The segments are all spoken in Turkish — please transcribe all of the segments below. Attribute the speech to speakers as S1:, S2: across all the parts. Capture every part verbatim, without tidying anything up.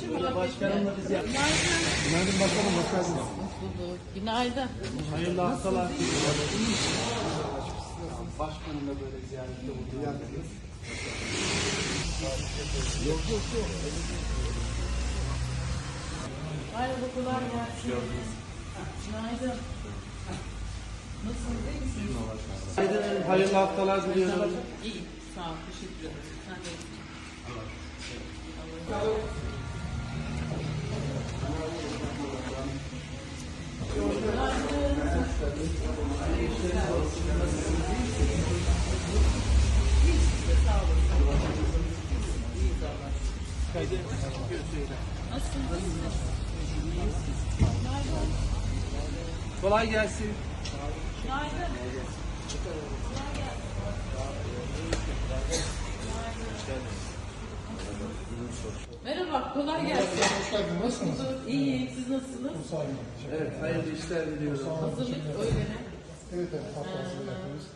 S1: Başkanımla biz yaptık. Günaydın başkanım, hoş geldiniz.
S2: Günaydın.
S1: Hayırlı haftalar. Başkanımla böyle ziyarette bulunduk. Yok yok yok.
S2: Merhaba, kolay gelsin. Günaydın. Nasılsınız, iyi misiniz?
S1: Günaydın, hayırlı haftalar diliyorum.
S2: İyi, sağ ol, teşekkür ederim. Sen de iyisin.
S1: Kolay gelsin.
S2: Merhaba, kolay gelsin.
S3: Hoş geldin, nasılsınız?
S2: İyi, siz nasılsınız?
S3: Sağ olun.
S1: Evet, hayırlı işler diliyorum.
S2: Hazırlık öyle mi?
S3: Evet, evet, haftası yapıyoruz.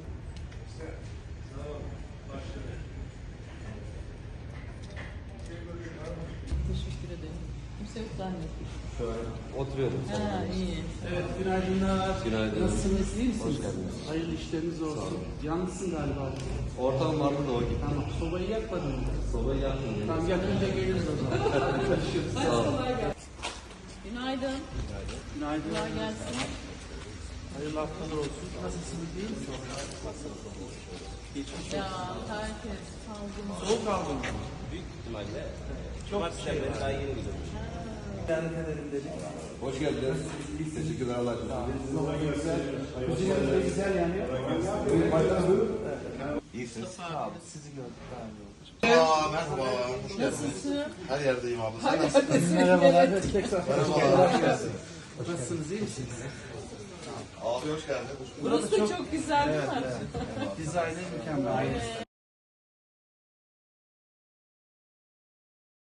S2: Teşekkür ederim. Kimse yok zannettim.
S4: Oturuyorum.
S2: Ha, iyi.
S1: Evet, günaydınlar.
S4: Günaydın.
S1: Nasılsınız, iyi misiniz?
S4: Hoş geldiniz.
S1: Hayırlı işleriniz olsun. Yalnızsın galiba.
S4: Ortam vardı da o gitti.
S1: Tamam, sobayı yakmadın mı?
S4: Sobayı yakmadım.
S1: Tamam, yakınca geliriz o zaman. Görüşürüz.
S2: Hadi kolay gelsin. Günaydın.
S1: Günaydın.
S2: Kolay gelsin.
S1: Hayırlı haftalar olsun. Nasılsınız, iyi misiniz? Geçmiş olsun.
S2: Ya, herkes salgın.
S1: Soğuk aldın mı?
S4: Büyük ihtimalle.
S1: Çok şey var.
S4: Daha yeni gidiyormuş.
S1: Ziyaret edelim dedik.
S4: Hoş geldiniz. Teşekkürler Allah razı
S1: Güzel. Kuzinemiz de güzel yani.
S4: İyisiniz.
S1: Sağ olun. Sizi gördük daha iyi oldu.
S5: Aa, merhaba. Hoş geldiniz.
S2: Nasılsın?
S5: Her yerdeyim abla. Sen nasılsın?
S1: Merhabalar. Tekrar
S5: Merhabalar. Hoş geldin.
S1: nasılsınız, iyi misiniz?
S5: Abi hoş geldin.
S2: Burası çok güzel değil mi?
S1: Dizaynı mükemmel.